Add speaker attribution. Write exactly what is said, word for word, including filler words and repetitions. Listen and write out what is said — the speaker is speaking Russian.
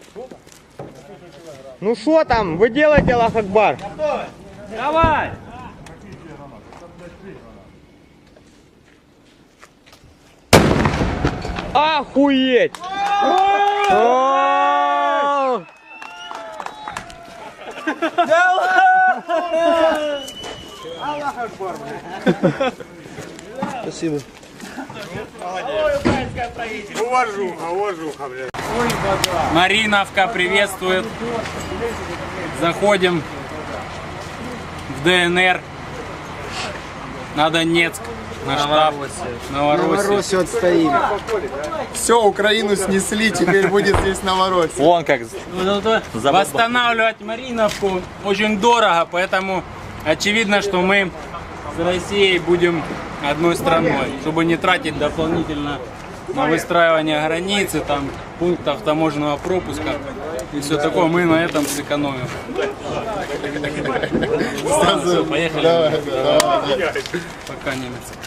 Speaker 1: Ну что там, вы делаете, Аллах Акбар?
Speaker 2: Давай!
Speaker 1: Охуеть! О!
Speaker 3: Спасибо.
Speaker 4: Уважуха, уважуха, блядь.
Speaker 2: Мариновка приветствует. Заходим в ДНР. На Донецк. На штаб. Новороссию.
Speaker 3: Новороссию отстоим. Все, Украину снесли, теперь будет здесь Новороссия.
Speaker 5: Вон как.
Speaker 2: Восстанавливать Мариновку очень дорого, поэтому очевидно, что мы с Россией будем одной страной, чтобы не тратить дополнительно на выстраивание границы, там, пунктов таможенного пропуска и все такое. Мы на этом сэкономим. Все, поехали.
Speaker 3: Давай, давай, давай.
Speaker 2: Пока, немец.